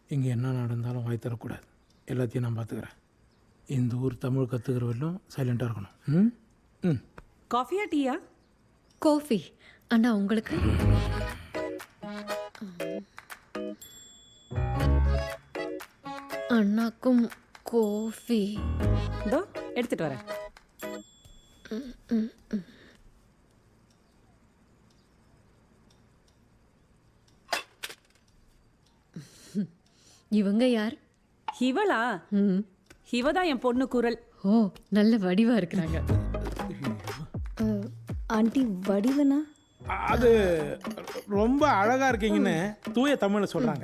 இங்கே என்ன நடந்தாலும் வாய் தரக்கூடாது. எல்லாத்தையும் நான் பார்த்துக்கிறேன். இந்த ஊர் தமிழ் கற்றுக்கிற வரலும் சைலண்ட்டாக இருக்கணும். ம் ம் காஃபியா டீயா? காஃபி. அண்ணா உங்களுக்கு? அண்ணாக்கும் காஃபி. இதோ எடுத்துட்டு வரேன். இவங்க யார்? இவளா? இவதான் என் பொண்ணு குரல். ஓ, நல்ல வடிவா இருக்கிறாங்க. ஆண்டி வடிவனா? அது ரொம்ப அழகாக இருக்கீங்கன்னு தூய தமிழில் சொல்கிறாங்க.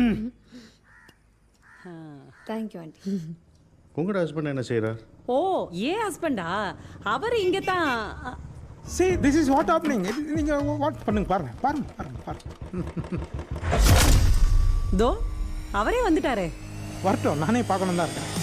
Thank you aunty. உங்களோட ஹஸ்பண்ட் என்ன செய்கிறார்? ஓ, ஏன் ஹஸ்பண்டா? அவர் இங்கே தான். சரி, திஸ் இஸ் வாட் ஹேப்பனிங். நீங்கள் வாட் பண்ணுங்க, பாருங்கள் பாருங்கள் பாருங்கள் பாருங்கள். தோ அவரே வந்துட்டாரே. வரட்டும், நானே பார்க்கணும் தான் இருக்கேன்.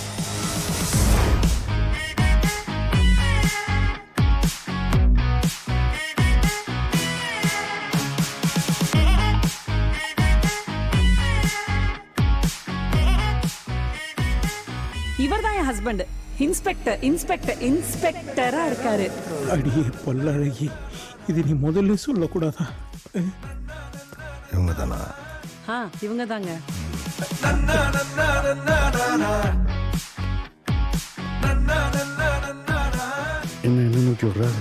இவர் தான் என் ஹஸ்பண்ட். இன்ஸ்பெக்டர் இன்ஸ்பெக்டர் இன்ஸ்பெக்டரா இருக்காரு. அடியே பல்லழகி, இது நீ முதல்ல சொல்லக்கூடாதா? இவங்க தானா? இவங்க தாங்க. என்ன நோக்கி விடுறாரு?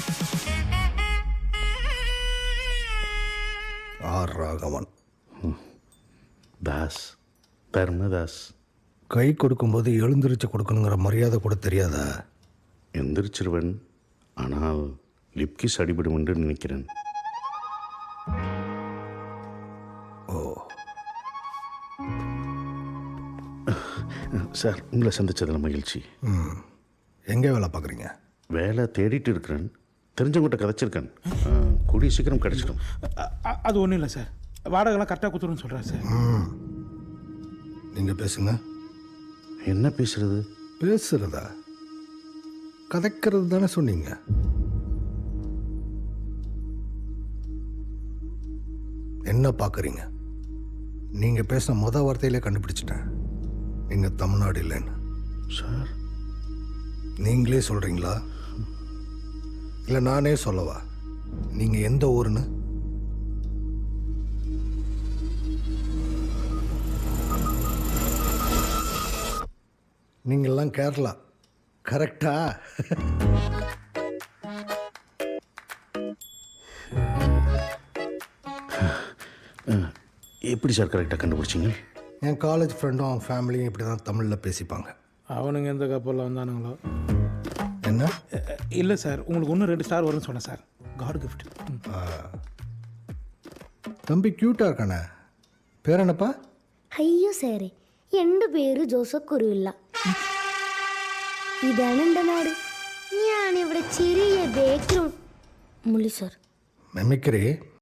ஆர் ராகவன். தாஸ், தர்மதாஸ். கை கொடுக்கும்போது எழுந்திரிச்சு கொடுக்கணுங்கிற மரியாதை கூட தெரியாதா? எந்திரிச்சிருவன், ஆனால் லிப்கிஸ் அடிபடும் என்று நினைக்கிறேன். ஓ சார், உங்களை சந்திச்சதில் மகிழ்ச்சி. எங்கே வேலை பார்க்குறீங்க? வேலை தேடிட்டு இருக்கிறேன். தெரிஞ்சவங்கிட்ட கதைச்சிருக்கேன். கூடிய சீக்கிரம் கிடச்சிடும். அது ஒன்றும் இல்லை சார், வாடகைலாம் கரெக்டாக கொடுத்துருன்னு சொல்கிறார் சார். நீங்கள் பேசுங்க. என்ன பேசுறது? பேசுறதா? கதைக்கிறது தானே சொன்னீங்க. என்ன பார்க்குறீங்க? நீங்கள் பேசின வார்த்தையிலே கண்டுபிடிச்சிட்டேன். நீங்கள் தமிழ்நாடு இல்லைன்னு. சார், நீங்களே சொல்கிறீங்களா இல்லை நானே சொல்லவா? நீங்கள் எந்த ஊருன்னு? நீங்கள்லாம் கேரளா, கரெக்டா? எப்படி சார் கரெக்டாக கண்டுபிடிச்சிங்க? என் காலேஜ் ஃப்ரெண்டும் அவன் ஃபேமிலியும் இப்படி தான் தமிழில் பேசிப்பாங்க. அவனுங்க எந்த கப்பலில் வந்தானுங்களோ. என்ன? இல்லை சார், உங்களுக்கு ஒன்று 2 ஸ்டார் வரும்னு சொன்னேன் சார். God gift. தம்பி க்யூட்டாக இருக்கானே, பேர் என்னப்பா? അയ്യോ സാറേ, എൻ്റെ പേര് ജോസഫ് കുരുവില്ല. ഇതാണ് എൻ്റെ നാട്. ഞാനിവിടെ ചെറിയ ബേക്കറി. മുള്ളി സാർ, மெமிக்ரி